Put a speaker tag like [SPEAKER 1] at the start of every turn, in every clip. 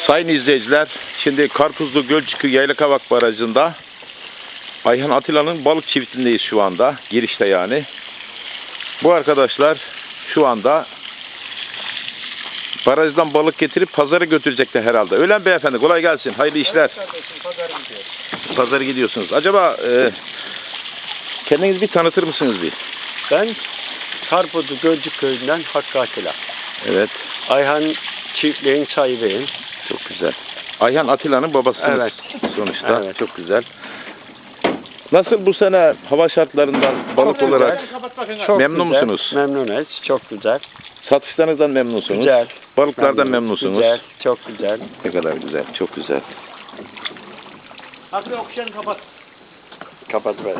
[SPEAKER 1] Sayın izleyiciler, şimdi Karpuzlu Gölcükü Yaylakavak Barajı'nda Ayhan Atilla'nın balık çiftindeyiz şu anda. Girişte yani. Bu arkadaşlar şu anda barajdan balık getirip pazara götürecekler herhalde. Öyle mi beyefendi? Kolay gelsin. Hayırlı işler.
[SPEAKER 2] Evet kardeşim, pazara gidiyoruz.
[SPEAKER 1] Pazara gidiyorsunuz. Acaba kendinizi bir tanıtır mısınız bir?
[SPEAKER 2] Ben Karpuzlu Gölcük Köyü'nden Hakkı Atilla.
[SPEAKER 1] Evet.
[SPEAKER 2] Ayhan çiftliğin sahibiyim.
[SPEAKER 1] Çok güzel. Ayhan Atilla'nın babasısınız.
[SPEAKER 2] Evet.
[SPEAKER 1] Sonuçta.
[SPEAKER 2] Evet.
[SPEAKER 1] Çok güzel. Nasıl bu sene hava şartlarından balık
[SPEAKER 2] Çok
[SPEAKER 1] olarak
[SPEAKER 2] güzel. Çok
[SPEAKER 1] memnun
[SPEAKER 2] güzel.
[SPEAKER 1] musunuz?
[SPEAKER 2] Memnunuz. Çok güzel.
[SPEAKER 1] Satışlarınızdan memnunsunuz?
[SPEAKER 2] Güzel.
[SPEAKER 1] Balıklardan memnunsunuz?
[SPEAKER 2] Güzel. Çok güzel.
[SPEAKER 1] Ne kadar güzel. Çok güzel.
[SPEAKER 2] Hadi okşanı kapat. Kapat böyle.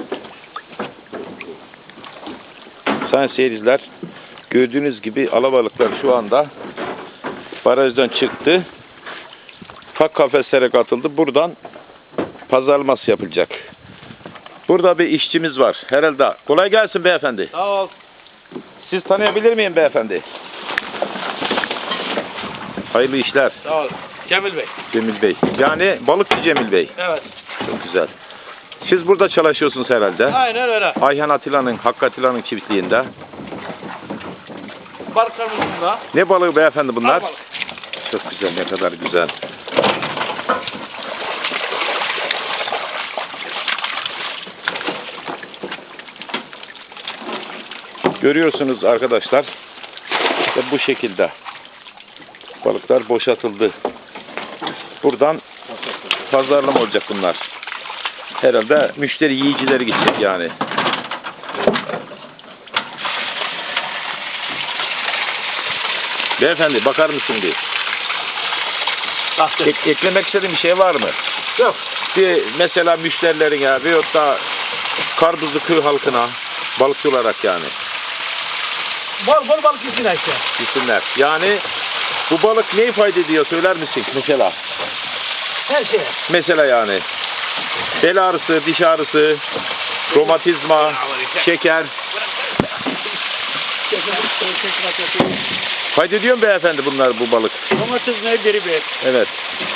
[SPEAKER 1] Sayın seyirciler, gördüğünüz gibi alabalıklar şu anda barajdan çıktı. Ufak kafeslere katıldı. Buradan pazarlaması yapılacak. Burada bir işçimiz var. Herhalde. Kolay gelsin beyefendi.
[SPEAKER 2] Sağ ol.
[SPEAKER 1] Siz tanıyabilir miyim beyefendi? Hayırlı işler.
[SPEAKER 2] Sağ ol. Cemil Bey.
[SPEAKER 1] Cemil Bey. Yani balıkçı Cemil Bey.
[SPEAKER 2] Evet.
[SPEAKER 1] Çok güzel. Siz burada çalışıyorsunuz herhalde.
[SPEAKER 2] Aynen öyle.
[SPEAKER 1] Ayhan Atilla'nın, Hakkı Atilla'nın çiftliğinde.
[SPEAKER 2] Balıklarımızın da.
[SPEAKER 1] Ne balığı beyefendi bunlar?
[SPEAKER 2] Balık.
[SPEAKER 1] Çok güzel, ne kadar güzel. Görüyorsunuz arkadaşlar. İşte bu şekilde. Balıklar boşaltıldı. Buradan pazarlama olacak bunlar. Herhalde müşteri yiyicileri gidecek yani. Beyefendi bakar mısın bir? Eklemek istediğin bir şey var mı?
[SPEAKER 2] Yok.
[SPEAKER 1] Bir mesela müşterilerine veyahut da Karpuzlu köy halkına balıkçı olarak yani.
[SPEAKER 2] Bol bol balık yesin işte.
[SPEAKER 1] Gitsinler. Yani bu balık ne ifade ediyor söyler misin mesela?
[SPEAKER 2] Her şey.
[SPEAKER 1] Mesela yani bel ağrısı, diş ağrısı, romatizma, şeker. Fayda ediyor mu beyefendi bunlar bu balık?
[SPEAKER 2] Domates nedir bir?
[SPEAKER 1] Evet.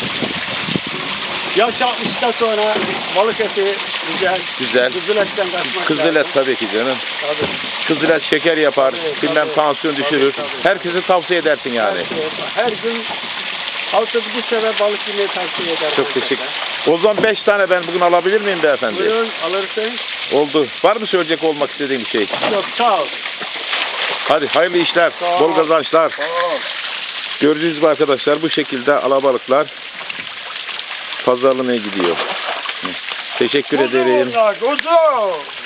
[SPEAKER 2] Yaş 60'tan sonra balık eti güzel.
[SPEAKER 1] Güzel.
[SPEAKER 2] Kızıl etten kaçmak
[SPEAKER 1] Kızıl et
[SPEAKER 2] lazım.
[SPEAKER 1] tabii ki canım.
[SPEAKER 2] Tabii.
[SPEAKER 1] Kızıl et şeker yapar,
[SPEAKER 2] Tabii,
[SPEAKER 1] bilmem
[SPEAKER 2] tabii.
[SPEAKER 1] tansiyon düşürür.
[SPEAKER 2] Tabii.
[SPEAKER 1] Herkese tavsiye edersin yani.
[SPEAKER 2] Her gün haftada bir sefer balık yemeyi tavsiye ederim.
[SPEAKER 1] Çok teşekkür. O zaman 5 tane ben bugün alabilir miyim beyefendi?
[SPEAKER 2] Buyurun alırsın.
[SPEAKER 1] Oldu. Var mı söyleyecek olmak istediğin bir şey?
[SPEAKER 2] Yok sağ ol.
[SPEAKER 1] Hadi hayırlı işler,
[SPEAKER 2] Sağ ol.
[SPEAKER 1] bol kazançlar.
[SPEAKER 2] Sağ ol.
[SPEAKER 1] Gördüğünüz gibi arkadaşlar bu şekilde alabalıklar pazarlamaya gidiyor. Teşekkür ederim.
[SPEAKER 2] Kuzu.